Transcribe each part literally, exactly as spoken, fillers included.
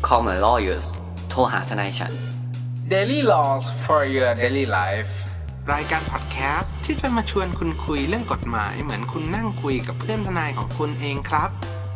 Call my lawyers โทรหาทนายฉัน Daily Laws for your daily life รายการพอดแคสต์ที่จะมาชวนคุณคุยเรื่องกฎหมายเหมือนคุณนั่งคุยกับเพื่อนทนายของคุณเองครับ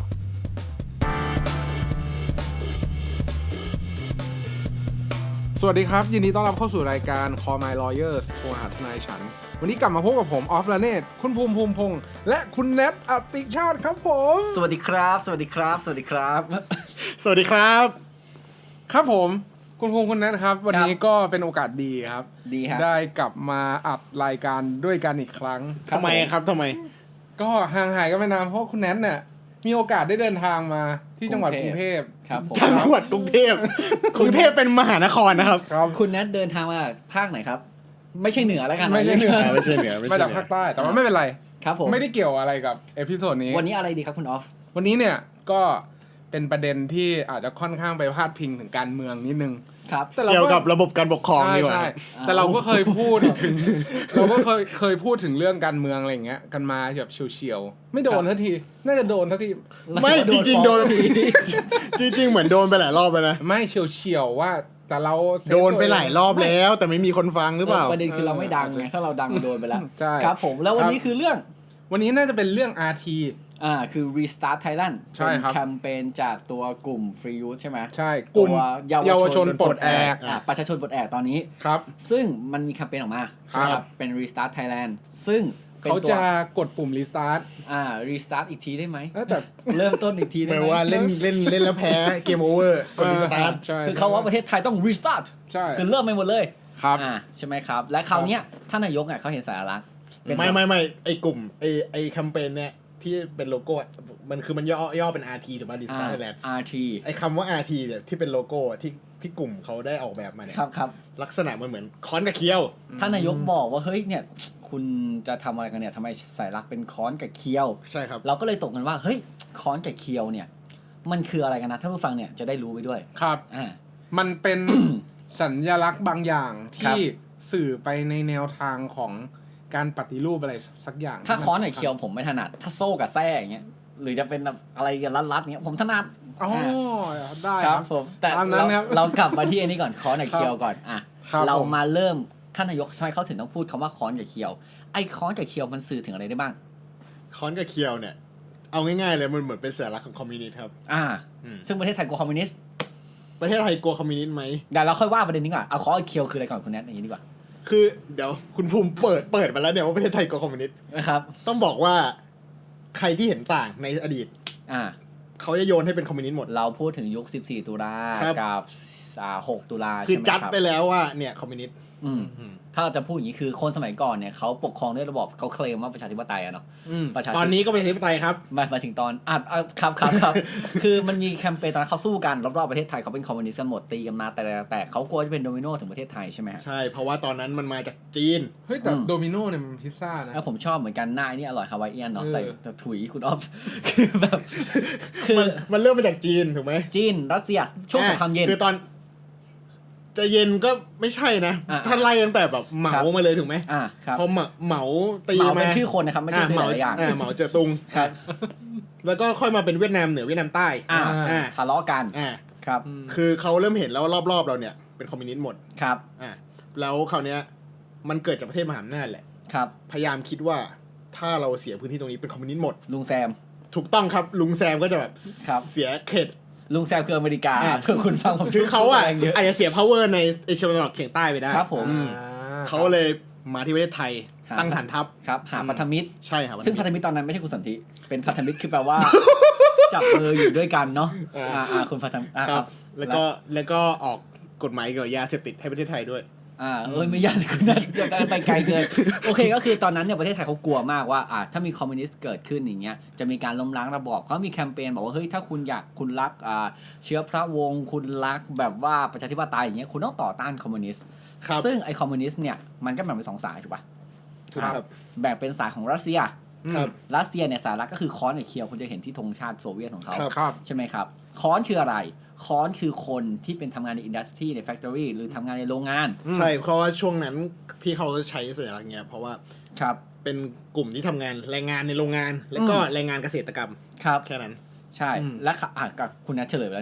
สวัสดีครับยินดีต้อนรับเข้าสู่รายการ Call My Lawyers โทรหาทนายฉันวันนี้กลับมาพบกับผมออฟละเนตคุณภูมิภูมิพงษ์และคุณแนทอติชาติครับผมสวัสดีครับสวัสดีครับสวัสดีครับสวัสดีครับครับผมคุณภูมิคุณแนทครับวันนี้ก็เป็นโอกาสดีครับดีครับได้กลับมาอัดรายการด้วยกันอีกครั้งทำไมครับทำไมก็ห่างหายกันไปนานเพราะคุณแนทเนี่ยมีโอกาสได้เดินทางมาที่จังหวัดกรุงเทพครับผมจังหวัดกรุงเทพกรุงเทพเป็นมหานครนะครับคุณแนทเดินทางมาภาคไหนครับไม่ใช่เหนือแล้วกันไม่ใช่เหนือไม่ใช่เหนือมาจากภาคใต้แต่ว่าไม่เป็นไรครับผมไม่ได้เกี่ยวอะไรกับเอพิโซดนี้วันนี้อะไรดีครับคุณออฟวันนี้เนี่ยก็เป็นประเด็นที่อาจจะค่อนข้างไปพาดพิงถึงการเมืองนิดนึงครับเกี่ยวกับระบบการปกครองดีกว่าแต่เราก็เคยพูดถึงเราก็เคยเคยพูดถึงเรื่องการเมืองอะไรอย่างเงี้ยกันมาแบบเฉียวๆไม่โดนทันทีน่าจะโดนทันทีไม่จริงๆโดนจริงๆเหมือนโดนไปหลายรอบแล้วนะไม่เฉียวๆว่าแต่เราโดนไปหลายรอบแล้วแต่ไม่มีคนฟังหรือเปล่าประเด็นคือเราไม่ดังไงถ้าเราดังโดนไปแล้วครับผมแล้ววันนี้คือเรื่องวันนี้น่าจะเป็นเรื่อง อาร์ ทีอ่าคือ Restart Thailand เป็นแคมเปญจากตัวกลุ่ม Free Youth ใช่ไหมใช่กลุ่มเยาวชนปลดแอกอ่าประชาชนปลดแอกตอนนี้ครับซึ่งมันมีแคมเปญออกมาครับเป็น Restart Thailand ซึ่งเขาจะกดปุ่ม Restart อ่า Restart อีกทีได้ไหมแต่เริ่มต้นอีกทีได้ไหมหมายว่าเล่นเล่นเล่นแล้วแพ้เกมโอเวอร์กด Restart คือเขาว่าประเทศไทยต้อง Restart ใช่คือเริ่มไปหมดเลยครับอ่าใช่ไหมครับและคราวนี้ท่านนายกอ่ะเขาเห็นสาระไม่ไม่ไม่ไอ้กลุ่มไอ้ไอ้แคมเปญเนี่ยที่เป็นโลโก้มันคือมันย่อย่อเป็น อาร์ ที หรือว่า Restart Thailand อาร์ ทีไอ้คำว่า อาร์ ที เนี่ยที่เป็นโลโก้ที่ที่กลุ่มเขาได้ออกแบบมาเนี่ยครับครับลักษณะมันเหมือนค้อนกับเคี้ยวท่านนายกบอกว่าเฮ้ยเนี่ยคุณจะทำอะไรกันเนี่ยทำไมสายลักเป็นค้อนกับเคี้ยวใช่ครับเราก็เลยตกกันว่าเฮ้ยค้อนกับเคี้ยวเนี่ยมันคืออะไรกันนะท่านผู้ฟังเนี่ยจะได้รู้ไปด้วยครับอ่ามันเป็น สัญลักษณ์บางอย่างที่สื่อไปในแนวทางของการปฏิรูปอะไรสักอย่างถ้าค้อนกับเคี้ยวผมไม่ถนัดถ้าโซ่กับแส้อย่างเงี้ยหรือจะเป็นอะไรกันรัดๆเงี้ยผมถนัดอ๋อได้ครับผมแต่เราเรากลับมาที่อันนี้ก่อนค้อนกับเคี้ยวก่อนอ่ะเรามาเริ่มท่านนายกทำไมเขาถึงต้องพูดคำว่าค้อนกับเคี้ยวไอ้ค้อนกับเคี้ยวมันสื่อถึงอะไรได้บ้างค้อนกับเคี้ยวเนี่ยเอาง่ายๆเลยมันเหมือนเป็นสัญลักษณ์ของคอมมิวนิสต์ครับอ่าซึ่งประเทศไทยกลัวคอมมิวนิสต์ประเทศไทยกลัวคอมมิวนิสต์ไหมเดี๋ยวเราค่อยว่าประเด็นนี้ก่อนเอาค้อนกับเคี้ยวคืออะไรก่อนคุณแนทอย่างนี้ดีกว่าคือเดี๋ยวคุณภูมิเปิดเปิดมาแล้วเนี่ยว่าประเทศไทยกลัวคอมมิวนิสต์นะครับต้องบอกว่าใครที่เห็นต่างในอดีตอ่าเขาจะโยนให้เป็นคอมมิวนิสต์หมดเราพูดถึงยุคสิบสี่ตุลากับอ่าหกตุลาคือจัดไปแล้วว่าเนี่ยคอมมิวนิสต์อืมถ้าเราจะพูดอย่างนี้คือคนสมัยก่อนเนี่ยเขาปกครองด้วยระบอบเขาเคลมว่าประชาธิปไตยอะเนาะตอนนี้ก็เป็นประชาธิปไตยครับมามาถึงตอนอ่ะครับครับครับ คือมันมีแคมเปญตอนนั้นเขาสู้กันรอบๆประเทศไทยเขาเป็นคอมมิวนิสต์กันหมดตีกันมาแต่แต่เขากลัวจะเป็นโดมิโนถึงประเทศไทยใช่ไหมใช่เพราะว่าตอนนั้นมันมาจากจีนเฮ้ยแต่โดมิโนเนี่ยมันพิซซ่านะผมชอบเหมือนกันหน้านี่อร่อยฮาวายเอียนเนาะใส่ถุยคุณออฟคือแบบคือมันเริ่มมาจากจีนถูกไหมจีนรัสเซียช่วงสงครามเย็นคือตอนจะเย็นก็ไม่ใช่นะท่านไล่ตั้งแต่แบบเหมามาเลยถูกไหมอ่าครับพอเหมาตีมาเป็นชื่อคนนะครับไม่ใช่ชื่อหลายอย่างเหมาเจ๋อตุงครับแล้วก็ค่อยมาเป็นเวียดนามเหนือเวียดนามใต้อ่าทะเลาะกันอ่าครับคือเขาเริ่มเห็นแล้วรอบๆเราเนี่ยเป็นคอมมิวนิสต์หมดครับอ่าแล้วคราวเนี้ยมันเกิดจากประเทศมหาอำนาจแหละครับพยายามคิดว่าถ้าเราเสียพื้นที่ตรงนี้เป็นคอมมิวนิสต์หมดลุงแซมถูกต้องครับลุงแซมก็จะแบบเสียเขตลุงแซมคืออเมริกาเพื่อคุณฟังผมคือเขาอ่ะอาจจะเสีย power ในเอเชียตะวันออกเฉียงใต้ไปได้ครับผมเขาเลยมาที่ประเทศไทยตั้งฐานทัพครับหาพันธมิตรใช่ครับซึ่งพันธมิตรตอนนั้นไม่ใช่คุณสันติเป็นพันธมิตรคือแปลว่าจับมืออยู่ด้วยกันเนาะอ่าคุณพันธมิตรครับแล้วก็แล้วก็ออกกฎหมายเกี่ยวกับยาเสพติดให้ประเทศไทยด้วยอ่าเอ้ยไม่ยากคุณนัทไปไกลเกินโอเคก็คือตอนนั้นเนี่ยประเทศไทยเขากลัวมากว่าอ่าถ้ามีคอมมิวนิสต์เกิดขึ้นอย่างเงี้ยจะมีการล้มล้างระบอบเขามีแคมเปญบอกว่าเฮ้ยถ้าคุณอยากคุณรักอ่าเชื้อพระวงศ์คุณรักแบบว่าประชาธิปไตยอย่างเงี้ยคุณต้องต่อต้านคอมมิวนิสต์ซึ่งไอคอมมิวนิสต์เนี่ยมันก็แบ่งเป็นสองสายถูกป่ะครับแบ่งเป็นสายของรัสเซียครับรัสเซียเนี่ยสายหลักก็คือค้อนกับเคียวคุณจะเห็นที่ธงชาติโซเวียตของเขาใช่ไหมครับค้อนคืออะไรค้อนคือคนที่เป็นทำงานในอินดัสทรีในแฟคทอรี่หรือทำงานในโรงงานใช่เพราะว่าช่วงนั้นที่เขาใช้สัญลักษณ์เงี้ยเพราะว่าครับเป็นกลุ่มที่ทำงานแรงงานในโรงงานแล้วก็แรงงานเกษตรกรรมครับแค่นั้นใช่และอ่ะกับคุณนัทเฉลยไปแล้วเนี่ย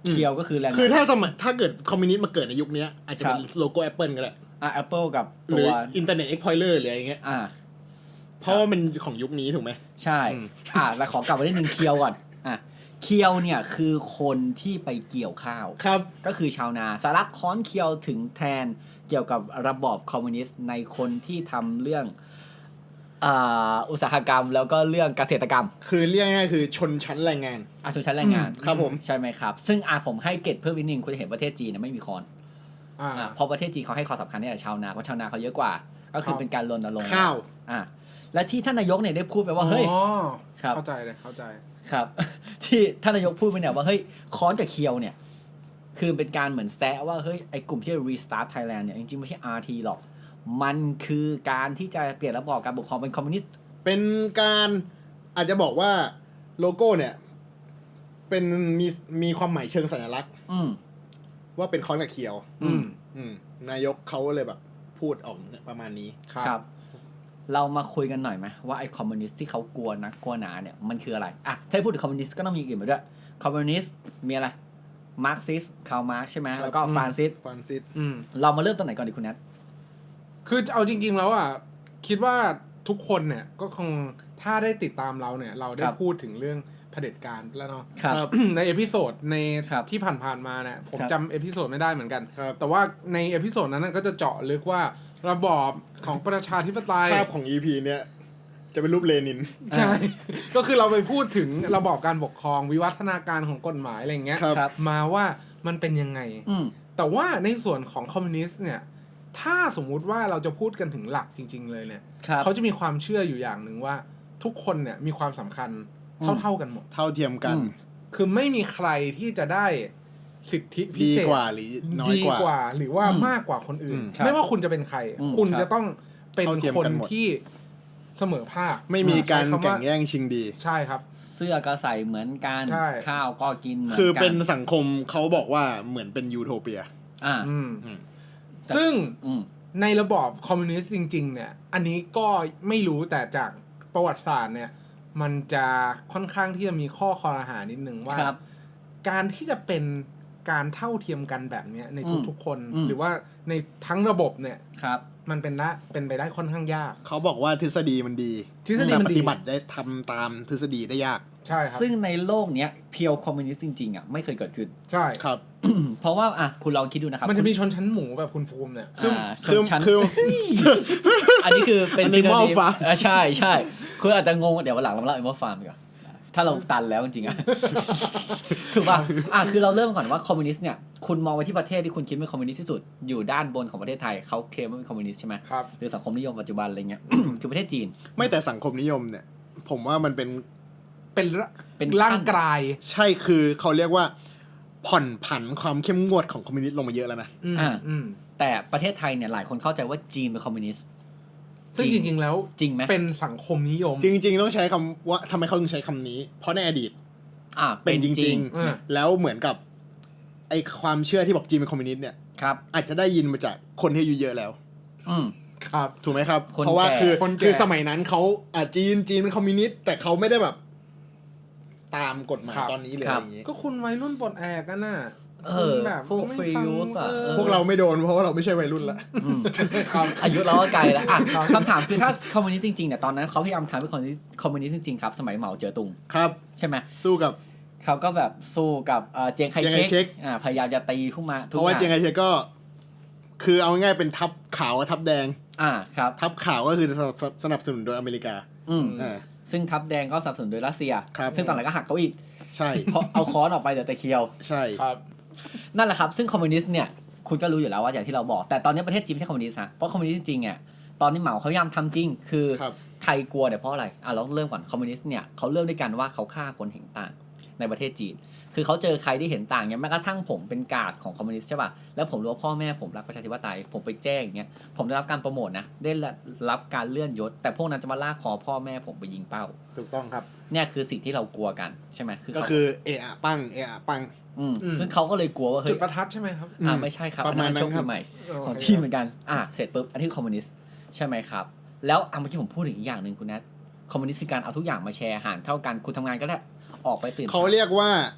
เคียวก็คือแรงงานคือถ้าสมัยถ้าเกิดคอมมิวนิสต์มาเกิดในยุคนี้อาจจะเป็นโลโก้ Apple ก็ได้อ่ะ Apple กับหตัรือว Internet Explorer หรืออะไรเงี้ยอ่าเพราะว่ามันของยุคนี้ถูกไหมใช่อืมอ่ะแล้วขอกลับมาได้หนึ่งเคียวก่อนอ่ะเคียวเนี่ยคือคนที่ไปเกี่ยวข้าวครับก็คือชาวนาสารักค้อนเคียวถึงแทนเกี่ยวกับระบอบคอมมิวนิสต์ในคนที่ทำเรื่องอ่าอุตสาหกรรมแล้วก็เรื่องเกษตรกรรมคือเรียกง่ายๆคือชนชั้นแรงงานอาชนชั้นแรงงานครับผมใช่ไหมครับ ซึ่งอ่ะผมให้เกร็ดเพิ่มนิดนึงคุณจะเห็นประเทศจีนเนี่ยไม่มีคอนอ่าอ่ะเพราะประเทศจีนเขาให้ความสำคัญเนี่ยกับชาวนาเพราะชาวนาเขาเยอะกว่า ก็คือครับเป็นการรณรงค์ข้าวอ่ะและที่ท่านนายกเนี่ยได้พูดไปว่าเฮ้ยอ๋อครับเข้าใจเลยเข้าใจครับ ที่ท่านนายกพูดไปเนี่ยว่าเฮ้ยค้อนกับเคียวเนี่ยคือเป็นการเหมือนแซะว่าเฮ้ยไอ้กลุ่มที่ Restart Thailand เนี่ยจริงๆไม่ใช่ อาร์ ที หรอก มันคือการที่จะเปลี่ยนระบอบการปกครองเป็นคอมมิวนิสต์เป็นการอาจจะบอกว่าโลโก้เนี่ย เป็นมีมีความหมายเชิงสัญลักษณ์อืมว่าเป็นค้อนกับเคียวอืมอืมนายกเขาเลยแบบพูดออกเนี่ยประมาณนี้ครับ เรามาคุยกันหน่อยไหมว่าไอ้คอมมิวนิสต์ที่เขากลัวนะกลัวหนาเนี่ยมันคืออะไรอ่ะถ้าพูดถึงคอมมิวนิสต์ก็ต้องมีอย่างอื่นมาด้วยคอมมิวนิสต์มีอะไรมาร์กซิสคาร์ลมาร์กใช่ไหมครับแล้วก็ฟรานซิสฟรานซิสอืมเรามาเริ่มตรงไหนก่อนดีคุณนัทคือเอาจริง ๆ แล้วอ่ะคิดว่าทุกคนเนี่ยก็คงถ้าได้ติดตามเราเนี่ย เราได้พูดถึงเรื่องเผด็จการแล้วเนาะครับในเอพิโซดในครับที่ผ่านๆมาเนี่ยผมครับจำเอพิโซดไม่ได้เหมือนกันครับแต่ว่าในเอพิโซดนั้นนะก็จะเจาะลึกว่าระบอบของประชาธิปไตยภาพของ อี พี เนี่ย จะเป็นรูปเลนินใช่ ก็คือเราไปพูดถึงระบอบการปกครองวิวัฒนาการของกฎหมายอะไรอย่างเงี้ยครับครับมาว่ามันเป็นยังไงอืมแต่ว่าในส่วนของคอมมิวนิสต์เนี่ยถ้าสมมุติว่าเราจะพูดกันถึงหลักจริง ๆ เลยเนี่ยครับเขาจะมีความเชื่ออยู่อย่างหนึ่งว่าทุกคนเนี่ยมีความสำคัญอืมเท่าๆกันหมดเท่าเทียมกันอืมคือไม่มีใครที่จะได้สิทธิพิดีเศษกว่าหรือน้อยดีกว่ากว่าหรือว่าอืมมากกว่าคนอื่นอืมครับไม่ว่าคุณจะเป็นใครอืมคุณครับจะต้องเป็นเท่าเทียมคนกันหมดที่เสมอภาคไม่มีการใช้คำแข่ว่งแย่งชิงดีใช่ครับเสื้อก็ใส่เหมือนกันใช่ข้าวก็กินเหมือนกันคือเป็นสังคมเขาบอกว่าเหมือนเป็นยูโทเปียอ่าอืมอืมซึ่งอืมในระบอบคอมมิวนิสต์จริง ๆ เนี่ย อันนี้ก็ไม่รู้แต่จากประวัติศาสตร์เนี่ย มันจะค่อนข้างที่จะมีข้อคอรหานิดนึงว่าครับการที่จะเป็นการเท่าเทียมกันแบบเนี้ยในอืมทุกๆคนอืมหรือว่าในทั้งระบบเนี่ยครับมันเป็นละเป็นไปได้ค่อนข้างยากเขาบอกว่าทฤษฎีมันดีทฤษฎีแต่มันปดีฏิบัติได้ทำตามทฤษฎีได้ยากใช่ครับซึ่งในโลกเนี้ยเพียวคอมมิวนิสต์จริงๆอ่ะไม่เคยเกิดขึ้นใช่ครับเพราะว่าอ่ะคุณลองคิดดูนะครับมันจะมีคุณชนชั้นหมูแบบคุณภูมิเนี่ยอ่าชคือนชั้นคืออันนี้คือเป็น Animal synonym Farm อ่าใช่ใช่คืออาจจะงงเดี๋ยววันหลังเราเล่า Animal Farm ดีกว่าถ้าเราตันแล้วจริงๆอ่ะ ถูกป่ะอ่ะคือเราเริ่มก่อนว่าคอมมิวนิสต์เนี่ยคุณมองไปที่ประเทศที่คุณคิดเป็นคอมมิวนิสต์ที่สุดอยู่ด้านบนของประเทศไทยเขาเคลมว่าเป็นคอมมิวนิสต์ใช่ไหมครับหรือสังคมนิยมปัจจุบันอะไรเงี้ย คือประเทศจีนไม่แต่สังคมนิยมเนี่ย ผมว่ามันเป็นเป็นระเป็นร่างกายใช่คือเขาเรียกว่า ผ่อนผันความเข้มงวดของคอมมิวนิสต์ลงมาเยอะแล้วนะอืมอ่าอืมแต่ประเทศไทยเนี่ยหลายคนเข้าใจว่าจีนเป็นคอมมิวนิสต์ซึ่งจริง ๆ แล้วจริงไหมเป็นสังคมนิยมจริง ๆ ต้องใช้คำว่าทำไมเขาถึงใช้คำนี้ เพราะในอดีตอ่าเป็นจริงอ่าๆ แล้วเหมือนกับ ไอความเชื่อที่บอกจีนเป็นคอมมิวนิสต์เนี่ยครับอาจจะได้ยินมาจากคนที่อายุเยอะแล้วอืมครับถูกไหมครับคนเพราะว่าแก่คือคนแก่คือสมัยนั้นเขาอ่าจีนจีนเป็นคอมมิวนิสต์แต่เขาไม่ได้แบบ ตามกฎหมายตอนนี้เลยอะไรอย่างนี้ก็คุณวัยรุ่นปลดแอกกันน่ะเออคุณแบบพวกไม่ฟรีฟังยูสอะเออเออพวกเราไม่โดนเพราะว่าเราไม่ใช่วัยรุ่นละอืมครับอายุเราก็ไกลแล้วอ่ะคำถามคือถ้าคอมมิวนิสต์จริงๆเนี่ยตอนนั้นเขาพยายามทำให้คอมมิวนิสต์คอมมิวนิสต์จริงๆครับสมัยเหมาเจ๋อตุงครับใช่ไหมสู้กับเขาก็แบบสู้กับเอ่อเจียงไคเจียงไคเชเชกกอ่าพยายามจะตีขึ้นมาเพทุกราะว่าอย่าเจียงไคเชกก็ คือเอาง่ายๆเป็นทัพขาวกับทัพแดงอ่าครับทัพขาวก็คือสนับสนับสนุนโดยอเมริกาอืมอ่าซึ่งทัพแดงก็สนับสนุนโดยรัสเซียครับซึ่งตอนหลังก็หักเขาอีกใช่เพราะเอาค้อนออกไปเหลือแต่เคียวใช่ครับนั่นแหละครับซึ่งคอมมิวนิสต์เนี่ยคุณก็รู้อยู่แล้วว่าอย่างที่เราบอกแต่ตอนนี้ประเทศจีนไม่ใช่คอมมิวนิสต์นะเพราะคอมมิวนิสต์จริงๆเนี่ยตอนนี้เหมาเขาพยายามทำจริง คือครับใครกลัวเนี่ยเพราะอะไรอ่ะเราเริ่มก่อนคอมมิวนิสต์เนี่ยเขาเริ่มด้วยกันว่าเขาฆ่าคนเห็นต่างในประเทศจีน คือเขาเจอใครที่เห็นต่างเนี่ยแม้กระทั่งผมเป็นการ์ดของคอมมิวนิสต์ใช่ป่ะแล้วผมรู้ว่าพ่อแม่ผมรักประชาธิปไตยผมไปแจ้งอย่างเงี้ยผมได้รับการโปรโมทนะได้รับการเลื่อนยศ แต่พวกนั้นจะมาลากคอพ่อแม่ผมไปยิงเป้าถูกต้องครับเนี่ยคือสิ่งที่เรากลัวกันใช่ไหมคือก็เขาคือเอะอะปังเอะอะปังอืมอืมซึ่งเขาก็เลยกลัวว่าจุเฮ้ดยประทัดใช่ไหมครับอ่าไม่ใช่ครับประมาณนั้นอัโชคครัดีบใหม่โอเคของจีนเหมือนกันอ่าเสร็จปุ๊บอันนี้คือคอมมิวนิสต์ใช่ไหมครับแล้วอ่ะเมื่อกี้ผมพูดถึงอีกอย่างหนึ่งคุณแนทคอมมิวนิสต์คือการเอาทุกอย่างมาแชร์หารเท่ากันคุณทำงานก็ได้ออกไปตื่นเขาเรียกว่า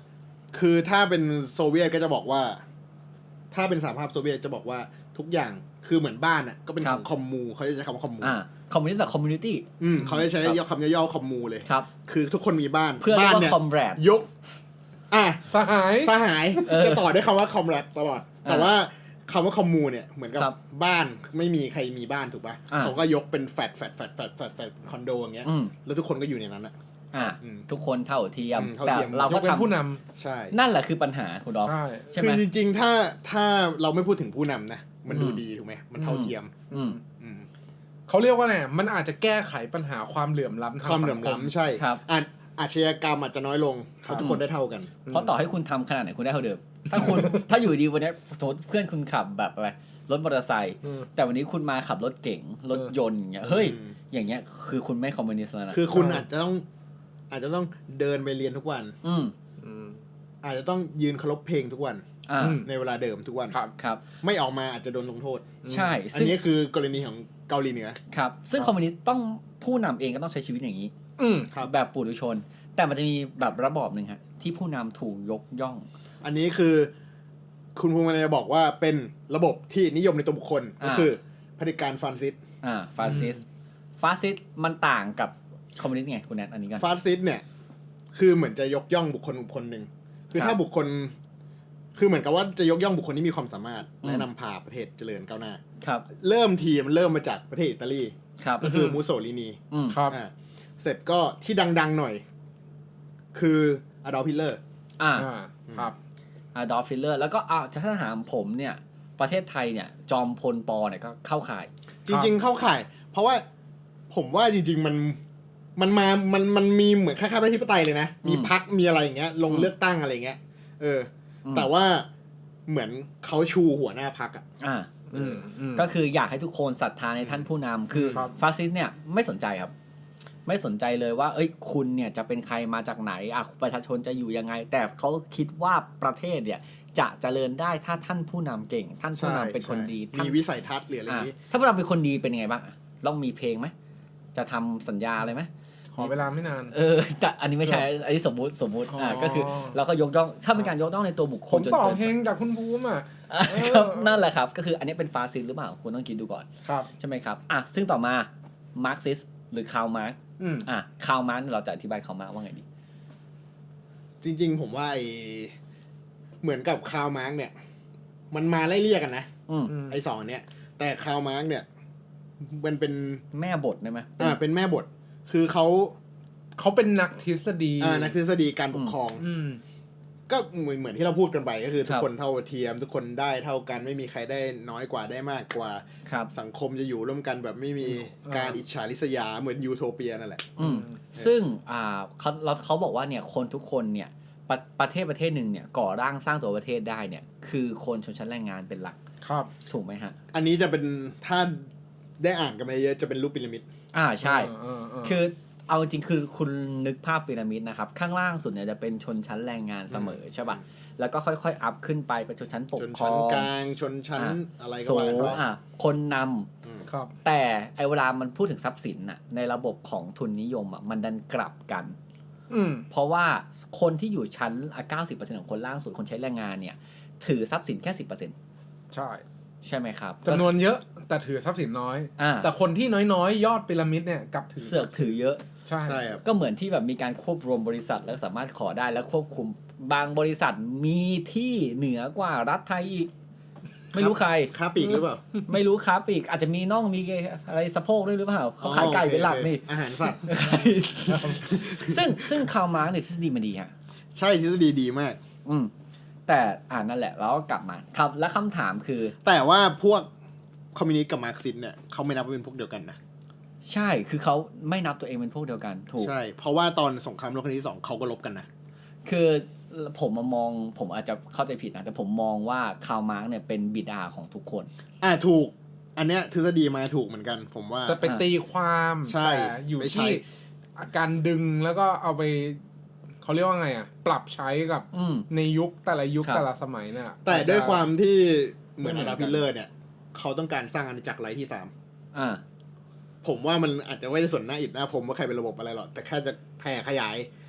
คือถ้าเป็นโซเวียตก็จะบอกว่า ถ้าเป็นสหภาพโซเวียตจะบอกว่าทุกอย่างคือเหมือนบ้านอ่ะก็เป็นของคอมมูเขาจะใช้คำว่าคอมมูอ่าคอมมูนิสต์กับคอมมูนิตี้อืมเขาจะใช้คำย่อๆคอมมูเลยครับคือทุกคนมีบ้านเพื่อเรียบ้าก นว่าเนี่ยคอมแรดยกอ่ะสหายสหายเออจะต่อด้วยคำว่าคอมแรดตลอด แต่อ่าว่าคำว่าคอมมูเนี่ยเหมือนกับครับบ้านไม่มีใครมีบ้านถูกป่ะอ่าเขาก็ยกเป็นแฟดแฟดแฟดแฟดแฟดแฟดคอนโดอย่างเงี้ยอืมแล้วทุกคนก็อยู่ในนั้นอ่ะอ่าอืมทุกคนเท่าเทียมอืมเท่าแต่เทียมเรายก็กเป็นทำผู้นใช่นั่นแหละคือปัญหาคุณดอำฟใช่ใช่ไหคืมอจริงๆถ้าถ้าเราไม่พูดถึงผู้นำนะมันดูอืมดีถูกไหมมันเท่าเทียมอืมอืมเขาเรียกว่าไงมันอาจจะแก้ไขปัญหาความเหลื่อมล้ำทางความเหลื่อมสังคล้ำใช่ครับอาจอาชญากรรมอาจจะน้อยลงเพราะทุกคนได้เท่ากันเพราะต่อให้คุณทำขนาดไหนคุณได้เท่าเดิม ถ้าคุณ ถ้าอยู่ดีวันนี้สมมติเพื่อนคุณขับแบบอะไรรถมอเตอร์ไซค์อืมแต่วันนี้คุณมาขับรถเก๋งรถยนต์อย่างเงี้ยเฮ้ยอืมอย่างเงี้ยคือคุณไม่คอมมิวนิสต์แล้วนะคือคุณใช่อาจจะต้องอาจจะต้องเดินไปเรียนทุกวันอืมอืมอาจจะต้องยืนเคารพเพลงทุกวันอ่าอืมในเวลาเดิมทุกวันครับครับไม่ออกมาอาจจะโดนลงโทษใช่อันซึ่งนี้คือกรณีของเกาหลีเหนือครับ ซึ่งคอมมิวนิสต์ต้องผู้นำเองก็ต้องใช้ชีวิตอย่างนี้อืมครับแบบปุถุชน แต่มันจะมีแบบระบอบหนึ่งฮะที่ผู้นำถูกยกย่องอันนี้คือคุณภูมิจะบอกว่าเป็นระบบที่นิยมในตัวบุคคลอ่าก็คือเผด็จการฟาสซิสต์อ่าฟาสซิสฟาสซิสมันต่างกับคอมมิวนิสต์ไงคุณแนทอันนี้กันฟาสซิสต์เนี่ยคือเหมือนจะยกย่องบุคคลบุคคลหนึ่งคือครับถ้าบุคคล คือเหมือนกับว่าจะยกย่องบุคคลที่มีความสามารถอืมและนำพาประเทศเจริญก้าวหน้าครับเริ่มทีมันเริ่มมาจากประเทศอิตาลีครับก็คืออืมมูโสลินีอืมครับอ่าเสร็จก็ที่ดังๆหน่อย คืออดอล์ฟฮิตเลอร์อ่าอ่าครับอดอล์ฟฟิลเลอร์แล้วก็อ่าถ้าถามผมเนี่ยประเทศไทยเนี่ยจอมพลปอเนี่ยก็เข้าข่ายจริงๆเข้าข่าย เพราะว่าผมว่าจริง ๆ มันมันมา มันมันมีเหมือนคล้ายๆประชาธิปไตยเลยนะ มีอืมพรรคมีอะไรอย่างเงี้ย ลงอืมเลือกตั้งอะไรเงี้ย เอออมแต่ว่าเหมือนเขาชูหัวหน้าพรรคอ่ะอ่าอืมอืมก็คืออยากให้ทุกคนศรัทธาในท่านผู้นำคือครับฟาสซิสต์เนี่ยไม่สนใจครับ ไม่สนใจเลยว่า เอ้ยคุณเนี่ยจะเป็นใครมาจากไหนอ่ะประชาชนจะอยู่ยังไง แต่เขาคิดว่าประเทศเนี่ยจะเจริญได้ถ้าท่านผู้นำเก่ง ท่านผู้นำเป็นคนดีใช่ท่านมีวิสัยทัศน์หรืออะไรออ่ะย่างงี้ถ้าผู้นำเป็นคนดีเป็นยังไงบ้างอ่ะต้องมีเพลงไหมจะทำสัญญาอะไรไหมขอเวลาไม่นานเออแต่อันนี้ไม่ใช่ อันนี้สมมุติสมมุติอ่าอ๋อก็คือเราก็ยกย่องถ้าเป็นการยกย่องในตัวบุคคผลมจนต่อเกินเพลงจากคุณภูมิอ่ะอ่ะเออครับนั่นแหละครับ ก็คืออันนี้เป็นฟาสซิสต์หรือเปล่าคุณต้องคิดดูก่อนครับใช่ไหมครับอ่ะซึ่งต่อมามาร์กซิสหรือคาร์ลมาร์กอืมอ่ะคาร์ลมาร์กเราจะอธิบายคาร์ลมาร์กว่าไงดีจริง ๆ ผมว่าไอเหมือนกับคาร์ลมาร์กเนี่ย มันมาไล่เรียกกันนะอืมอืมไอสองเนี้ย แต่คาร์ลมาร์กเนี่ย มันเป็นแม่บทได้ไหมอ่า เป็นแม่บท คือเขาเขาเป็นนักทฤษฎีอ่า นักทฤษฎีการปกครองอืมก็เหมือนเหมือนที่เราพูดกันไปก็คือทุคกรับคนเท่าเทียม ทุกคนได้เท่ากันไม่มีใครได้น้อยกว่าได้มากกว่าครับสังคมจะอยู่ร่วมกันแบบไม่มีอ่าการอิจฉาริษยาเหมือนยูโทเปียนั่นแหละอืมซึ่งอ่าเขาเราเขาบอกว่าเนี่ยคนทุกคนเนี่ยประประเทศประเทศหนึ่งเนี่ยก่อร่างสร้างตัวประเทศได้เนี่ยคือคนชนชั้นแรงงานเป็นหลักครับถูกไหมฮะอันนี้จะเป็นถ้าได้อ่านกันมาเยอะจะเป็นรูปพีระมิดอ่าใช่เออเออคือเอาจริงคือคุณนึกภาพพีระมิดนะครับ ข้างล่างสุดเนี่ยจะเป็นชนชั้นแรงงานเสมอใช่ป่ะแล้วก็ค่อยๆอัพขึ้นไปเป็นชนชั้นปกชนครอชั้นงกลางชนชั้นอ่ะอะไรก็สูว่าง ไปอ่ะคนนำอืมครับแต่ไอเวลามันพูดถึงทรัพย์สินน่ะในระบบของทุนนิยมอ่ะมันดันกลับกันอืมเพราะว่าคนที่อยู่ชั้นอ่ะเก้าสิบเปอร์เซ็นต์ของคนล่างสุดคนใช้แรงงานเนี่ยถือทรัพย์สินแค่สิบเปอร์เซ็นต์ใช่ใช่ไหมครับจำนวนเยอะแต่ถือทรัพย์สินน้อยอ่าแต่คนที่น้อยๆ ยอดพีระมิดเนี่ยกลับถือเสือกถือเยอะใช่ใช่ครับก็เหมือนที่แบบมีการควบรวมบริษัทแล้วสามารถขอได้แล้วควบคุมบางบริษัทมีที่เหนือกว่ารัฐไทยอีก ไม่รู้ใครค้าปลีกหรือเปล่าไม่รู้ครับอีกอาจจะมีน่องมีอะไรสะโพกด้วยหรือเปล่าเขาขายไก่เป็นหลักนี่อาหารสัตว์ซึ่งซึ่งคาร์ลมาร์กเนี่ยทฤษฎีมันดีฮะใช่ทฤษฎีดีมากอืมแต่อ่านั่นแหละแล้วก็กลับมาครับและคำถามคือแต่ว่าพวกคอมมิวนิสต์กับมาร์กซิสต์เนี่ยเขาไม่นับว่าเป็นพวกเดียวกันนะใช่คือเขาไม่นับตัวเองเป็นพวกเดียวกันถูกใช่ เพราะว่าตอนสงครามโลกครั้งที่สองเขาก็ลบกันนะคือผมมามองผมอาจจะเข้าใจผิดนะแต่ผมมองว่าคาร์ลมาร์กเนี่ยเป็นบิดาของทุกคนอ่าถูก อันเนี้ยทฤษฎีมาถูกเหมือนกัน ผมว่าแต่ไปตีความใช่แต่อยู่ไปใช้ที่การดึงแล้วก็เอาไปเขาเรียกว่าไงอ่ะ ปรับใช้กับอืมในยุคแต่ละยุคครับแต่ละสมัยเนี่ยแต่ด้วยความที่เหมือนไม่อเหมือนดากันพิลเลอร์เนี่ย เขาต้องการสร้างอาณาจักรไร้ที่สามอ่าผมว่ามันอาจจะไม่ได้สนหน้าอิดหน้าผมว่าใครเป็นระบบอะไรหรอกแต่แค่จะแผ่ขยาย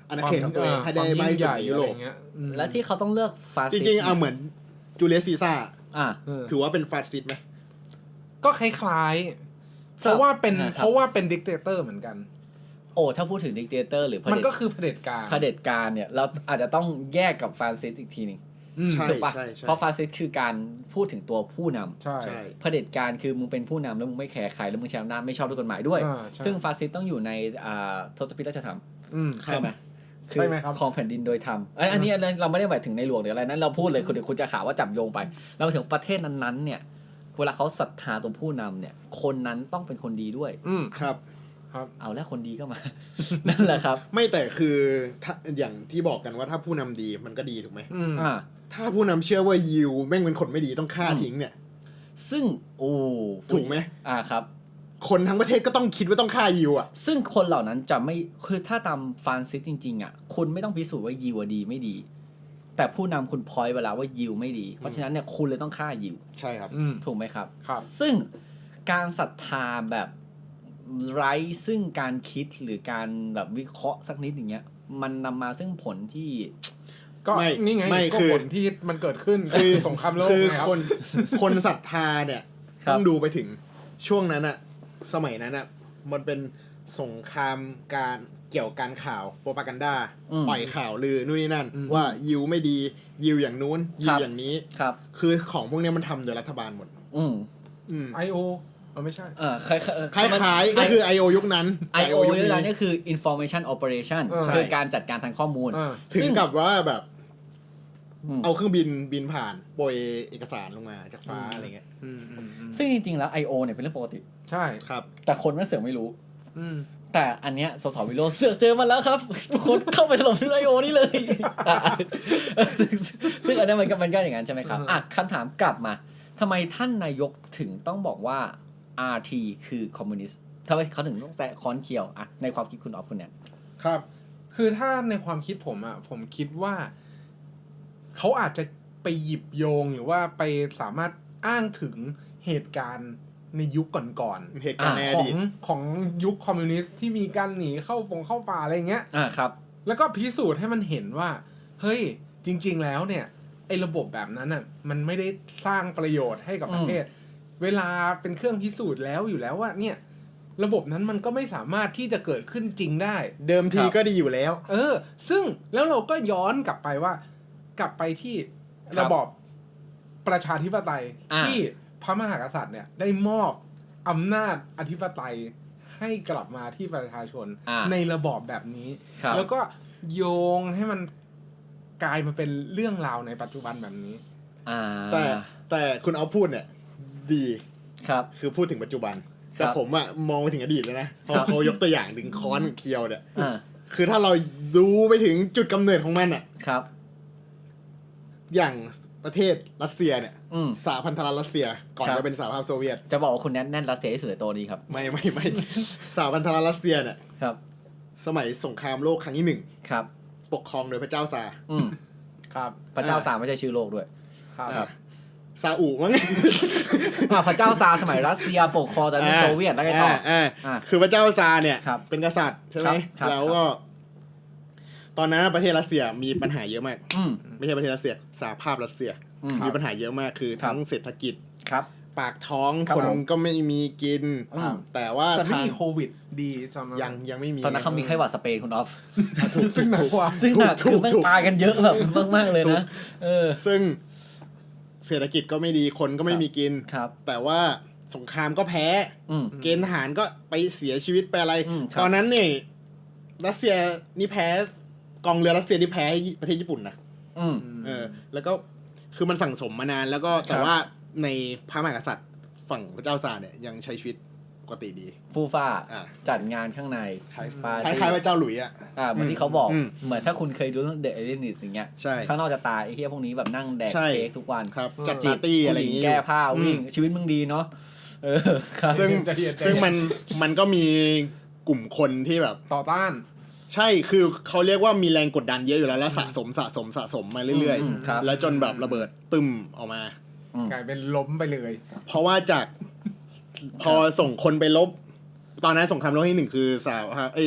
อาณาเขตของตัวเองให้ได้มากที่สุดในยุโรปและที่เขาต้องเลือกฟาสจซิสต์ริงๆเอาเหมือนจูเลียสซีซ่าร์อ่ะถือว่าเป็นฟาสซิสต์ไหมก็คล้ายๆ เพราะว่าเป็นอ่าครับเพราะว่าเป็นดิกเตเตอร์เหมือนกันโอ้ถ้าพูดถึงดิกเตเตอร์หรือเผมันด็จก็คือเผด็จการเผด็จการเนี่ยเราอาจจะต้องแยกกับฟาสซิสต์อีกทีหนึงอืมใช่ถูกปะใช่ใช่เพราะฟาสซิสต์คือการพูดถึงตัวผู้นำใช่ใช่เผด็จการคือมึงเป็นผู้นำแล้วมึงไม่แคร์ใครแล้วมึงใช้อำนาจไม่ชอบด้วยกฎหมายด้วยอ่าใช่ซึ่งฟาสซิสต์ต้องอยู่ในอ่าทศพิธราชธรรมอืมใช่ไหมใช่ไหมครับของแผ่นดินโดยธรรมอันอันนี้อันนี้เราไม่ได้หมายถึงในหลวงหรืออะไรนั้นเราพูดเลยคุณเดี๋ยวคุณจะข่าวว่าจับโยงไป เราถึงประเทศนั้นๆเนี่ยเวลาเขาศรัทธาตัวผู้นำเนี่ยคนนั้นต้องเป็นคนดีด้วยอืมครับครับเอาแล้วคนดีก็มา นั่นแหละครับไม่แต่คือถ้าอย่างที่บอกกันว่าถ้าผู้นำดีมันก็ดีถูกไหมอืมอ่าถ้าผู้นำเชื่อว่ายิวแม่งเป็นคนไม่ดีต้องฆ่าทิ้งเนี่ยซึ่งโอ้ถูกไหมอ่าครับคนทั้งประเทศก็ต้องคิดว่าต้องฆ่ายิวอ่ะซึ่งคนเหล่านั้นจะไม่คือถ้าตามฟรานซิสจริงๆอ่ะคุณไม่ต้องพิสูจน์ว่ายิวอะดีไม่ดี แต่ผู้นำคุณพอยต์เวลาว่ายิวไม่ดี เพราะฉะนั้นเนี่ยคุณเลยต้องฆ่ายิวใช่ครับอืมถูกไหมครับครับซึ่งการศรัทธาแบบไร้ซึ่งการคิดหรือการแบบวิเคราะห์สักนิดอย่างเงี้ยมันนำมาซึ่งผลที่ก็ไม่นี่ไงไม่ก็คือผลที่มันเกิดขึ้นคือสงครามโลกคือไงครับคนคนศรัทธาเนี่ยครับต้องดูไปถึงช่วงนั้นอะสมัยนั้นอะมันเป็นสงครามการเกี่ยวกับการข่าวโปรปากันดาอืมปล่อยข่าวลือนู่นนี่นั่นอืมว่ายิวไม่ดียิวอย่างนู้นยิครัวบอย่างนี้ครับคือของพวกเนี้ยมันทำโดยรัฐบาลหมดอืมอืมไอโอมันไม่ใช่เออคล้ายๆคล้ายๆก็คือ ไอ โอ ยุคนั้นไอโอยุคนี่แหละนี้นี่คือ information operation เออคือการจัดการทางข้อมูลอ่าถึงกับว่าแบบอืมเอาเครื่องบินบินผ่านโปรยเอกสารลงมาจากฟ้าอืมอะไรเงี้ยอืมอืมอืมซึ่งจริงๆแล้ว ไอ โอ เนี่ยเป็นเรื่องปกติใช่ครับแต่คนไม่เสือกไม่รู้อืมแต่อันเนี้ยสสวิโรจน์เสือกเจอมาแล้วครับ ทุกคนเข้าไปถล่มที่ไอโอนี่เลย อ่ะซึ่งซึ่งอันเนี้ยมันก็มันก็อย่างนั้นใช่ไหมครับอืมอ่ะคำถามกลับมาทำไมท่านนายกถึงต้องบอกว่า อาร์ ที คือคอมมิวนิสต์ทำไมเขาถึงต้องแซะค้อนเคียวอ่ะในความคิดคุณออฟคุณเนี่ยครับคือถ้าในความคิดผมอ่ะผมคิดว่าเขาอาจจะไปหยิบโยงหรือว่าไปสามารถอ้างถึงเหตุการณ์ในยุคก่อนเหตุการณ์ในๆอขอดีงตของยุคคอมมิวนิสต์ที่มีการหนีเข้าปงเข้าป่าอะไรเงี้ยอ่าครับแล้วก็พิสูจน์ให้มันเห็นว่า เฮ้ย จริง ๆ แล้วเนี่ยไอ้ระบบแบบนั้นอ่ะมันไม่ได้สร้างประโยชน์ให้กับประเทศ เวลาเป็นเครื่องพิสูจน์แล้วอยู่แล้วว่าเนี่ย ระบบนั้นมันก็ไม่สามารถที่จะเกิดขึ้นจริงได้เดิมทีครับก็ดีอยู่แล้วเออ ซึ่งแล้วเราก็ย้อนกลับไปว่า กลับไปที่ครับระบอบประชาธิปไตยอ่าที่พระมหากษัตริย์เนี่ยได้มอบอำนาจอธิปไตยให้กลับมาที่ประชาชนอ่าในระบอบแบบนี้ครับแล้วก็โยงให้มันกลายมาเป็นเรื่องราวในปัจจุบันแบบนี้อ่าแต่แต่คุณเอาพูดเนี่ย ดีครับคือพูดถึงปัจจุบันครับแต่ผมอะมองไปถึงอดีตเลยนะเพราะครับเขายกตัวอย่างถึงค้อนเคียวเนี่ยอ่าคือถ้าเราดูไปถึงจุดกำเนิดของมันอะครับอย่างประเทศรัสเซียเนี่ยอืมสหพันธรัฐรัสเซีย ก่อนครับจะเป็นสหภาพโซเวียตจะบอกว่าคุณแน่นแน่นรัสเซียที่สุดในตัวนี้ครับไม่ไม่ไม่ สหพันธรัฐรัสเซียเนี่ยครับสมัยสงครามโลกครั้งที่หนึ่งครับปกครองโดยพระเจ้าซาร์อืมครับพระเจ้าซาร์ไม่ใช่ชื่อโลกด้วยครับครับซาอุมั้งอ่าพระเจ้าซาร์สมัยรัสเซียปกครองจากโซเวียตแล้วไงต่ออ่าอ่าคือพระเจ้าซาร์เนี่ยครับเป็นกษัตริย์ใช่ไหมครับครับแล้วก็ ตอนนั้นประเทศรัสเซียมีปัญหาเยอะมากอืมไม่ใช่ประเทศรัสเซียสหภาพรัสเซียอืมมีปัญหาเยอะมากคือครับทั้งเศรษฐกิจครับปากท้องครับคนผมก็ไม่มีกินอืมแต่ว่าแต่ไม่ทางมีโควิดดีจำยังยังไม่มีตอนนั้นเขามีไข้หวัดสเปนคุณออฟซึ่งหนักกว่าซึ่งหนักถูคือก แม่งถูกตายกันเยอะแบบมากๆเลยนะ เออซึ่งเศรษฐกิจก็ไม่ดีคนก็ไม่มีกินครับแต่ว่าสงครามก็แพ้อืมเกณฑ์ทหารก็ไปเสียชีวิตไปอะไรอืมครับตอนนั้นเนี่ยรัสเซียนี่แพ้กองเรือรัสเซียที่แพ้ประเทศญี่ปุ่นนะอืมเออ แล้วก็คือมันสั่งสมมานานแล้วก็แต่ครับว่าในพระมหากษัตริย์ฝั่งพระเจ้าซาร์เนี่ยยังใช้ชีวิตปกติดีฟูฟ่าอ่าจัดงานข้างในคล้ายปาร์คตี้ล้ายๆพระเจ้าหลุยส์อ่ะอ่าเหมือนที่เขาบอกอืมเหมือนถ้าคุณเคยดูเรื่องเดอะเอเลียนิสอย่างเงี้ยใช่ข้างนอกจะตายไอ้เหี้ยพวกนี้แบบนั่งแดกใช่เค้กทุกวันครับอืมจัดปาร์ตี้อะไรอย่างผู้หญิงี้งแก้ผ้าอืมวิ่งชีวิตมึงดีเนาะเออครับซึ่งใจเย็นใจเย็นซึ่งมันมันก็มีกลุ่มคนที่แบบต่อต้านใช่คือเขาเรียกว่ามีแรงกดดันเยอะอยู่แล้วแล้วสะสมสะสมสะสมมาเรื่อยมครับๆ แล้วจนแบบระเบิดตึมออกมาอืมกลายเป็นล้มไปเลยเพราะว่าจากพอส่งคนไปลบ ตอนนั้นสงครามโลกที่หนึ่งคือสาวเอ้ยส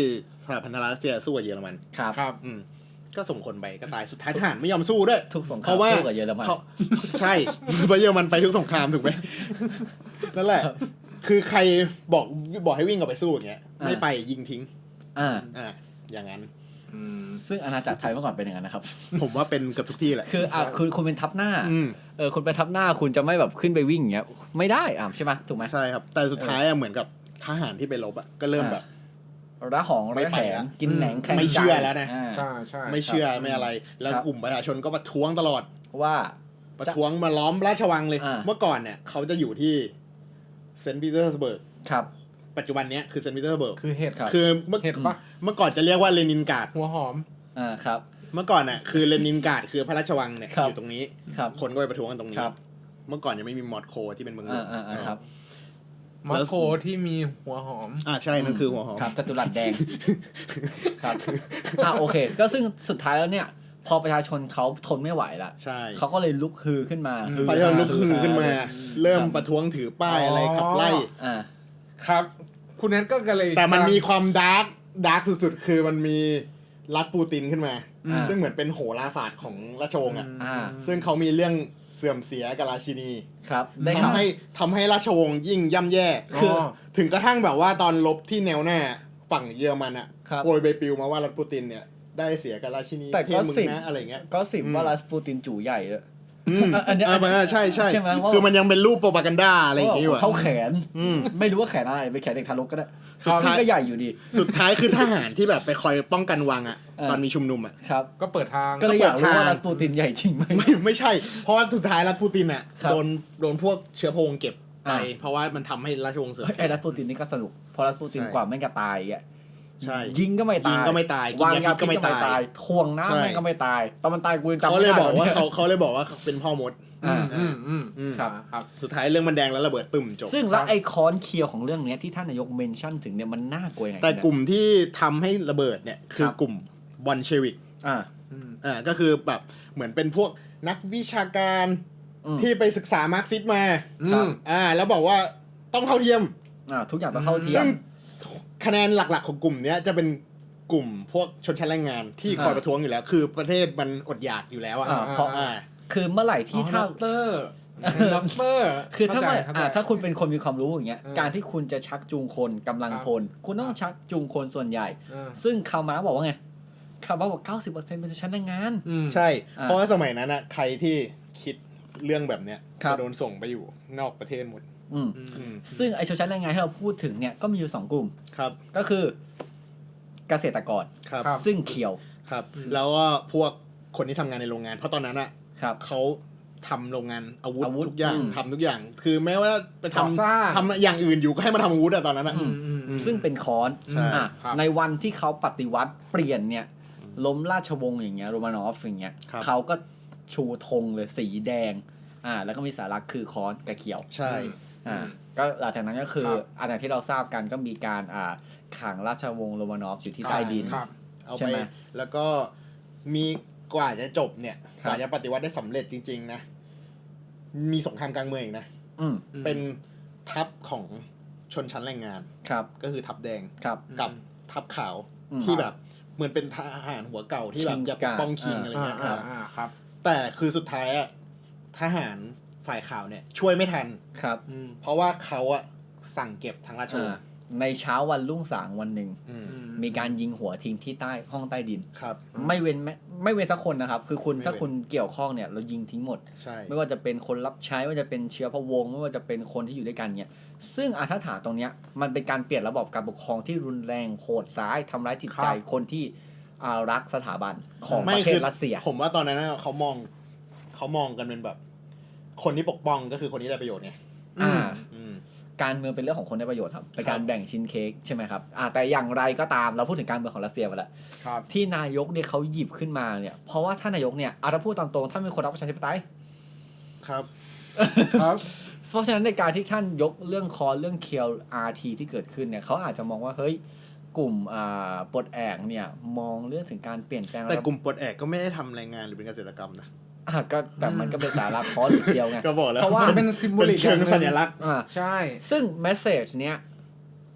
สหพันธรัฐรัสเซียสู้กับเยอรมันครับครับอืมก็ส่งคนไปก็ตายสุดท้ายทหารไม่ยอมสู้ด้วยทุกสงคเพรามราะว่าสู้กับเยอรมันเขาใช่เพราะเยอรมันไปทุกสงครามถูกไหมนั่นแหละ คือใครบอกบอกให้วิ่งออกไปสู้อย่างเงี้ยอ่าไม่ไปยิงทิ้งอ่าอ่าอย่างนั้นอืมซึ่งอาณาจักรไทยเมื่อก่อนเป็นอย่างนั้นนะครับผมว่าเป็นเกือบทุกที่แหละคืออ่ะคุณคุณเป็นทัพหน้าอืมเออคุณเป็นทัพหน้าคุณจะไม่แบบขึ้นไปวิ่งอย่างเงี้ยไม่ได้อ่ะใช่ไหมถูกไหมใช่ครับ แต่สุดท้ายอะเหมือนกับทหารที่ไปรบอะก็เริ่มแบบระหองไม่ระไปแหงอะกินแหนงแข่งไม่เชื่อแล้วนะาใช่ใช่ไม่เชื่อไม่อะไร แล้วครับกลุ่มประชาชนก็ประท้วงตลอดว่าประท้วงมาล้อมราชวังเลยอ่าเมื่อก่อนเนี่ยเขาจะอยู่ที่เซนต์ปีเตอร์สเบิร์กครับปัจจุบันเนี้ยคือเซนต์ปีเตอร์สเบิร์กคือเห็ดครับคือเมื่อเห็ดปะเมื่อก่อนจะเรียกว่าเลนินกราดหัวหอมอ่าครับเมื่อก่อนน่ะคือเลนินกราดคือพระราชวังเนี่ยครับอยู่ตรงนี้ครับคนก็ไปประท้วงกันตรงนี้ครับเมื่อก่อนยังไม่มีมอสโกที่เป็นเมืองหลอ่าวงอ่าอ่าครับมอสโกที่มีหัวหอมอ่าใช่นั่นคือหัวหอมครับจัตุรัสแดง ครับอ่าโอเค ก็ซึ่งสุดท้ายแล้วเนี่ย พอประชาชนเขาทนไม่ไหวละใช่เขาก็เลยลุกฮือขึ้นมาอืมฮือประชาชนลุกฮือขึ้นมาครับเริ่มประท้วงถือป้ายอะไรขับไล่อ่าครับ คุณแนทก็เลยแต่มันมีความดาร์กดาร์กสุดๆ คือมันมีรัฐปูตินขึ้นมาอ่าซึ่งเหมือนเป็นโหราศาสตร์ของราชวงศ์อ่ะอ่าซึ่งเขามีเรื่องเสื่อมเสียกับราชินีครับ ได้ข่าวทำให้ทำให้ราชวงศ์ยิ่งย่ำแย่คือถึงกระทั่งแบบว่าตอนลบที่แนวหน้าฝั่งเยอรมันอ่ะครับโอยใบปลิวมาว่ารัฐปูตินเนี่ยได้เสียกับราชินีแต่เทก็พมึงสิบนะอะไรเงี้ยก็สิบอืมว่ารัสปูตินจู่ใหญ่เลยอืมอันเนี้ยอ่าอ่าใช่ใช่ใช่ไหมว่าคือมันยังเป็นรูปโปรปากันดาอะไรอย่างเงี้ยอยู่อะเท่าแขนอืมไม่รู้ว่าแขนอะไรเป็นแขนเด็กทารกก็ได้สุดท้ายซึ่งก็ใหญ่อยู่ดีสุดท้ายคือทหารที่แบบไปคอยป้องกันวังอ่ะเออตอนมีชุมนุมอ่ะครับก็เปิดทางก็เลยอยากรู้ว่าเปิดทางรัสปูตินใหญ่จริงไหมไม่ไม่ใช่ เพราะว่าสุดท้ายรัฐปูตินอ่ะครับโดนโดนพวกเชื้อเพลิงเก็บไปอ่าเพราะว่ามันทำให้ราชวงศ์เสื่อมเฮ้ยเสีไอ้ยรัสปูตินนี่ก็สนุกเพราะรัสปูตินใช่กว่าแม่งจะตายอ่ะใช่ยิงก็ไม่ตายยิงก็ไม่ตายกินวางยายาพิษก็พิษก็ไม่ไม่ตายตายทวงน้ำใช่แม่งก็ไม่ตายตอนมันตายกูยังจำเขาไม่เลยได้บอกว่านี่ยเขาเขาเลยบอกว่าเป็นพ่อมดอ่าอืมอืมอืมครับครับสุดท้ายเรื่องมันแดงแล้วระเบิดตึมจบซึ่งแล้วไอ้ค้อนเคียวของเรื่องเนี้ยที่ท่านนายกเมนชั่นถึงเนี่ยมันน่ากลัวยังไงแต่เนี่ยกลุ่มที่ทำให้ระเบิดเนี่ยคือกลุ่มบอลเชวิกอ่าอืมอ่าก็คือแบบเหมือนเป็นพวกนักวิชาการอืมที่ไปศึกษามาร์กซิสต์มาอืมอ่าแล้วบอกว่าต้องเท่าเทียมอ่าทุกอย่างต้องเท่าเทียซึ่มงคะแนนหลักๆของกลุ่มเนี้ยจะเป็นกลุ่มพวกชนชั้นแรงงานที่คอยอ่าประท้วงอยู่แล้ว คือประเทศมันอดอยากอยู่แล้วอ่ะอ่าเพราะอ่าคือเมื่อไหร่ที่ถ้าด็อกเตอร์ด็อกเตอร์คือถ้าเข้ไม่ใจเข้ใจอ่าถ้าคุณเป็นคนมีความรู้อย่างเงี้ยเออการที่คุณจะชักจูงคนกำลังพล คุณต้องชักจูงคนส่วนใหญ่อ่าซึ่งคาร์มาร์กบอกว่าไงคาร์มาร์กบอกเก้าสิบเปอร์เซ็นต์เป็นชนชั้นแรงงานอืมใช่อ่าเพราะว่าสมัยนั้นอ่ะใครที่คิดเรื่องแบบเนี้ยครับจะโดนส่งไปอยู่นอกประเทศหมดอืมอืมซึ่งไอชนชั้นแรงงานที่เราพูดถึงเนี่ยก็มีอยู่สองกลุ่มครับก็คือเกษตรกรครับครับซึ่งเขียวครับอืมแล้วก็พวกคนที่ทำงานในโรงงาน เพราะตอนนั้นอ่ะครับเขาทำโรงงานอาวุธอาวุธทุกอย่างอืมทำทุกอย่าง คือแม้ว่าไปทก่อสร้างำทำอย่างอื่นอยู่ก็ให้มาทำอาวุธอะตอนนั้นอะอืมอืมอืมซึ่งเป็นค้อนใช่อ่ะครับในวันที่เขาปฏิวัติเปลี่ยนเนี่ยล้มราชวงศ์อย่างเงี้ยโรมานอฟอย่างเงี้ยครับเขาก็ชูธงเลยสีแดงอ่าแล้วก็มีสารักคือค้อนกับเขียวใช่อ่าก็หลังจากนั้นก็คือครับอันอย่างที่เราทราบกันก็มีการอ่าขังราชวงศ์โรมานอฟอยู่ที่ใต้ดินครับเอาใช่ไปไหมแล้วก็มีกว่าจะจบเนี่ยครักบว่าจะปฏิวัติได้สำเร็จจริง ๆ นะ มีสงครามกลางเมืองอีกนะอืมอืมเป็นทัพของชนชั้นแรงงานครับก็คือทัพแดงครับกับทัพขาวอืมที่แบบเหมือนเป็นทหารหัวเก่าที่แบบคิงจะปกป้องกาคิงอะไรอ่าเงี้ยอ่าครับอ่าครับแต่คือสุดท้ายอะทหารฝ่ายขาวเนี่ย ช่วยไม่ทันครับอืมเพราะว่าเขาอะสั่งเก็บทั้งราชวงอ่าศ์ในเช้าวันรุ่งสางวันหนึ่งอืมอืมีการยิงหัวทิ้งที่ใต้ห้องใต้ดินครับไม่เว้นแม้ไม่เว้นสักคนนะครับ คือคุณไม่เว้นถ้าคุณเกี่ยวข้องเนี่ยเรายิงทิ้งหมดใช่ไม่ว่าจะเป็นคนรับใช้ไม่ว่าจะเป็นเชื้อพระวงศ์ไม่ว่าจะเป็นคนที่อยู่ด้วยกันเนี่ยซึ่งอาถ้าถามตรงเนี้ยมันเป็นการเปลี่ยนระบบการปกครองที่รุนแรงโหดร้ายทำร้ายจิตใจคนที่อ่ารักสถาบันของประเทศรัสเซียผมว่าตอนนั้นน่ะเขามองเขามองกันเป็นแบบ คนที่ปกป้องก็คือคนที่ได้ประโยชน์ไงอ่าอืมการเมืองเป็นเรื่องของคนได้ประโยชน์ครับเป็นการครับแบ่งชิ้นเค้กใช่ไหมครับอ่าแต่อย่างไรก็ตามเราพูดถึงการเมืองของรัสเซียไปแล้วครับที่นายกเนี่ยเขาหยิบขึ้นมาเนี่ยเพราะว่าท่านนายกเนี่ยอาถ้าพูดตามตรงท่านเป็นคนรักประชาธิปไตยครับครับเพราะฉะนั้นในการที่ท่านยกเรื่องคอเรื่องเคียว อาร์ ที ที่เกิดขึ้นเนี่ยเขาอาจจะมองว่าเฮ้ยกลุ่มอ่าปลดแอกเนี่ยมองเรื่องถึงการเปลี่ยนแปลงแต่กลุ่มปลดแอกก็ไม่ได้ทำแรงงานหรือเป็นเกษตรกรรมนะอ่ะก็แต่มันก็เป็นสาระคอหรือเคียวไงก็บอกแล้วเพราะว่าเป็น symbolic เป็นเชิงสัญลักษณ์อ่าใช่ซึ่งแมสเซจเนี้ย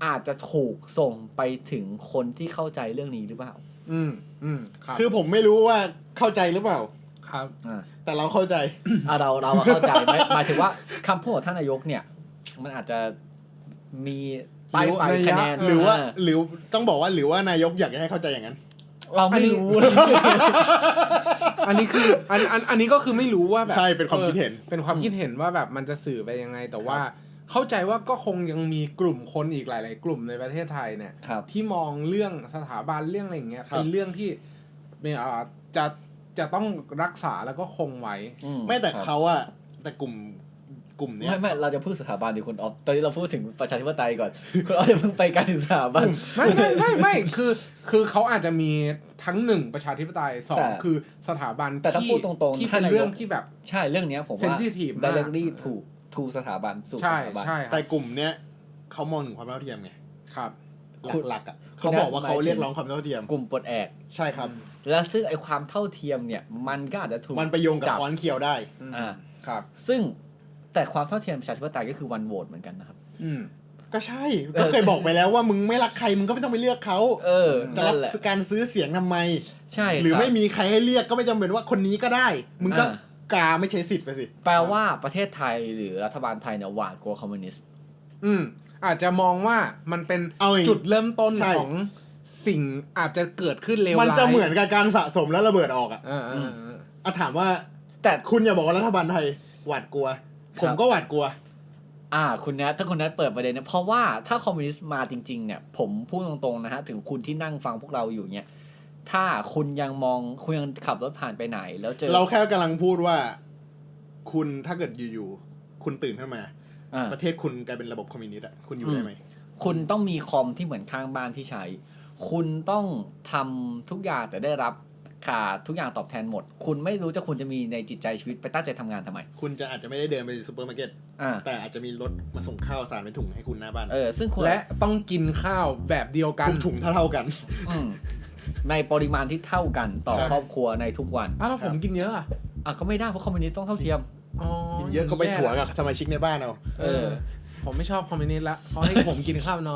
อาจจะถูกส่งไปถึงคนที่เข้าใจเรื่องนี้หรือเปล่าอืมอืมครับคือผมไม่รู้ว่าเข้าใจหรือเปล่าครับอ่าแต่เราเข้าใจอ่ะเราเราเข้าใจหมายหมายถึงว่าคำพูดของท่านนายกเนี่ย มันอาจจะมีปลายไฟคะแนนหรือว่าหรือต้องบอกว่าหรือว่านายกอยากให้เข้าใจอย่างนั้นเราไม่รู้อันนี้คืออันอันอันนี้ก็คือไม่รู้ว่าแบบใช่เป็นความคิดเห็นออเป็นความคิดเห็นว่าแบบมันจะสื่อไปยังไง แต่ว่าเข้าใจว่าก็คงยังมีกลุ่มคนอีกหลาย ๆ กลุ่มในประเทศไทยเนี่ยครับที่มองเรื่องสถาบันเรื่องอะไรอย่างเงี้ยครับเป็นเรื่องที่เอ่อจะจะต้องรักษาแล้วก็คงไว้อืไม่แต่ครับเขาอะแต่กลุ่มกลุ่มเนี้ยไม่ไม่เราจะพูดสถาบันดิคุณออฟตอนนี้เราพูดถึงประชาธิปไตยก่อน คุณออฟอย่าเพิ่งไปการถึงสถาบันไม่ไม่ไม่ไม่คือคือเขาอาจจะมีทั้งหนึ่งประชาธิปไตยสอแต่งคือสถาบันแต่ถ้าที่พูดตรงๆที่ท่าเป็น นนายกเรื่องที่แบบใช่เรื่องเนี้ยผมว่า sensitive มาก directly to to สถาบันสู่สใช่ถาบันใช่คแต่รับกลุ่มเนี้ยเขามองถึงความเท่าเทียมไงครับคุณหลักๆอะคุเขาณบอกว่าหมายเขาถึงเรียกร้องความเท่าเทียมกลุ่มปลดแอกใช่ครับและซึ่งไอความเท่าเทียมเนี่ย มันก็อาจจะถูกมันไปโยงกับจับค้อนเคียวได้อ่าครับซึ่งแต่ความเท่าเทียมประชาธิปไตยก็คือวันโหวตเหมือนกันนะครับอืมก็ใช่ ก็เคยบอกไปแล้วว่ามึงไม่รักใครมึงก็ไม่ต้องไปเลือกเขาเออจะนั่รับนแหละการซื้อเสียงทำไมใช่หรือคบไม่มีใครให้เลือกก็ไม่จำเป็นว่าคนนี้ก็ได้ มึงก็อ่ากาไม่ใช้สิทธิ์ไปสิแปลว่าประเทศไทยหรือรัฐบาลไทยเนี่ยหวาดกลัวคอมมิวนิสต์อืมอาจจะมองว่ามันเป็นเอาอย่างจุดเริ่มต้นใช่ของสิ่งอาจจะเกิดขึ้นเลวร้ายมันจะเหมือนกับการสะสมแล้วระเบิดออกอะอ่าอ่าอ่าอ่ะถามว่าแต่คุณอย่าบอกว่ารัฐบาลไทยหวาดกลัว ผมก็หวาดกลัวอ่าคุณนัทถ้าคุณนัทเปิดประเด็นเนี่ยเพราะว่าถ้าคอมมิวนิสต์มาจริงๆเนี่ยผมพูดตรงๆนะฮะถึงคุณที่นั่งฟังพวกเราอยู่เนี่ยถ้าคุณยังมองคุณยังขับรถผ่านไปไหน แล้วเจอเราแค่กำลังพูดว่า คุณถ้าเกิดอยู่ๆคุณตื่นขึ้นมาอ่าประเทศคุณกลายเป็นระบบคอมมิวนิสต์อะคุณอยู่ได้ไหมคุณต้องมีคอมที่เหมือนข้างบ้านที่ใช้ คุณต้องทำทุกอย่างแต่ได้รับขาดทุกอย่างตอบแทนหมด คุณไม่รู้จะคุณจะมีในจิตใจชีวิตไปตั้งใจทำงานทำไมคุณจะอาจจะไม่ได้เดินไปซูเปอร์มาร์เก็ตอ่าแต่อาจจะมีรถมาส่งข้าวสารเป็นถุงให้คุณหน้าบ้านเออซึ่งคุณและต้องกินข้าวแบบเดียวกันทุกถุงเท่าๆกันอืมในปริมาณที่เท่ากันต่อใช่ครอบครัวในทุกวันอ้าวแล้วผมกินเยอะอ่ะอ่ะก็ไม่ได้เพราะคอมมิวนิสต์ต้องเท่าเทียมอ๋อกินเยอะก็ไปถั่วกับสมาชิกในบ้านเอาเออผมไม่ชอบคอมมิวนิสต์ละเขาให้ผมกินข้าวน้อย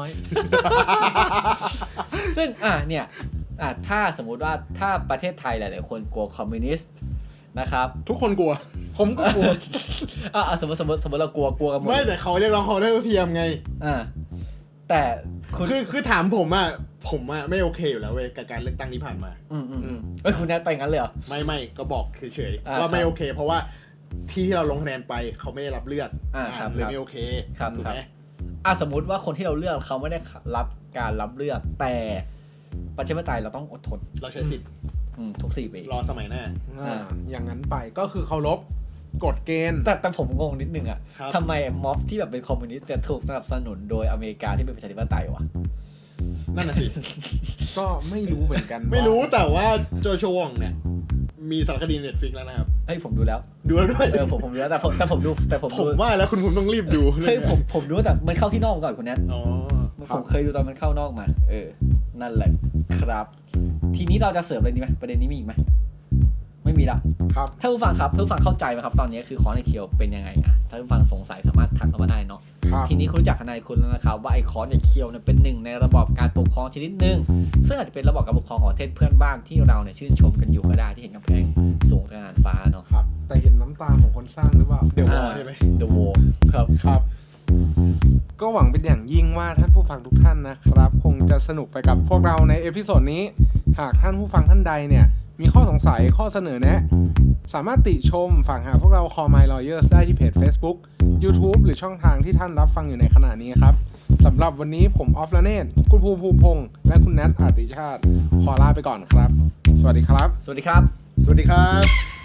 ซึ่งอ่ะเนี่ยอ่ะถ้าสมมุติว่าถ้าประเทศไทยหลายๆคนกลัวคอมมิวนิสต์นะครับทุกคนกลัว ผมก็กลัวอ่ะอ่ะสมมติสมมติสมมติเรากลัวกลัวกันหมดไม่แต่เขาเรียกร้องความเท่าเทียมไงอ่าแต่คุณคือคือถามผมอะผมอะไม่โอเคอยู่แล้วเว้ยกับการเลือกตั้งที่ผ่านมาอืมอืมอืมเอ้ยคุณแนทไปงั้นเลยเหรอไม่ไม่ก็บอกเฉยอ่าๆว่าคไม่รับโอเค เพราะว่าที่ที่เราลงคะแนนไปเขาไม่ได้รับเลือกอ่าครับเลยครับไม่โอเคครับถูกครับไหมอ่ะสมมติว่าคนที่เราเลือกเขาไม่ได้รับการรับเลือก แต่ประชาธิปไตยเราต้องอดทนเราใช้สิทธิ์อืมทุกสี่ปีรอสมัยหน้าอ่าอย่างนั้นไปก็คือเคารพกฎเกณฑ์แต่แต่ผมงงนิดนึงอ่ะครับทำไมม็อบที่แบบเป็นคอมมิวนิสต์จะถูกสนับสนุนโดยอเมริกาที่เป็นประชาธิปไตยวะนั่นน่ะสิก็ไม่รู้เหมือนกันไม่รู้ว่าแต่ว่าโจโฉวองเนี่ย มีสารคดีเน็ตฟิกแล้วนะครับเฮ้ยผมดูแล้วดูแล้วด้วยเออผมผมดูแล้วแต่ผมแต่ผมดูแต่ผมผดูมว่าแล้วคุณคุณต้องรีบดูเฮ้ยผมผมดูแต่มันเข้าที่นอกมาก่อนคุณแนทอ๋อผมเคยดูตอนมันเข้านอกมา เออ นั่นแหละครับ ทีนี้เราจะเสริมอะไรดีไหมประเด็นนี้มีอีกไหมไม่มีละครับถ้าผู้ฟังครับถ้าผู้ฟังเข้าใจไหมครับ ตอนนี้คือคอร์สในเคียวเป็นยังไงอ่ะถ้าผู้ฟังสงสัยสามารถทักเข้ามาได้เนาะครับทีนี้คุณรู้จักทนายคุณแล้วนะครับว่าไอ้คอร์สในเคียวเนี่ยเป็นหนึ่งในระบอบการปกครองชนิดหนึ่งซึ่งอาจจะเป็นระบอบการปกครองของประเทศเพื่อนบ้านที่เราเนี่ยชื่นชมกันอยู่ก็ได้ที่เห็นกำแพงสูงกระงานฟ้าเนาะครับ แต่เห็นน้ำตาของคนสร้างหรือเปล่าเดี๋ยววออ่าใช่ไหม The Wall ครับครับ ก็หวังเป็นอย่างยิ่งว่าท่านผู้ฟังทุกท่านนะครับ คงจะสนุกไปกับพวกเราในเอพิโซดนี้ หากท่านผู้ฟังท่านใดเนี่ย มีข้อสงสัยข้อเสนอแนะ สามารถติชมฝากหาพวกเรา Call My Lawyers ได้ที่เพจ Facebook YouTube หรือช่องทางที่ท่านรับฟังอยู่ในขณะนี้ครับสำหรับวันนี้ผมออฟละเนตคุณภูมิภูมิพงษ์และคุณแนทอาติชาติขอลาไปก่อนครับ สวัสดีครับสวัสดีครับสวัสดีครับ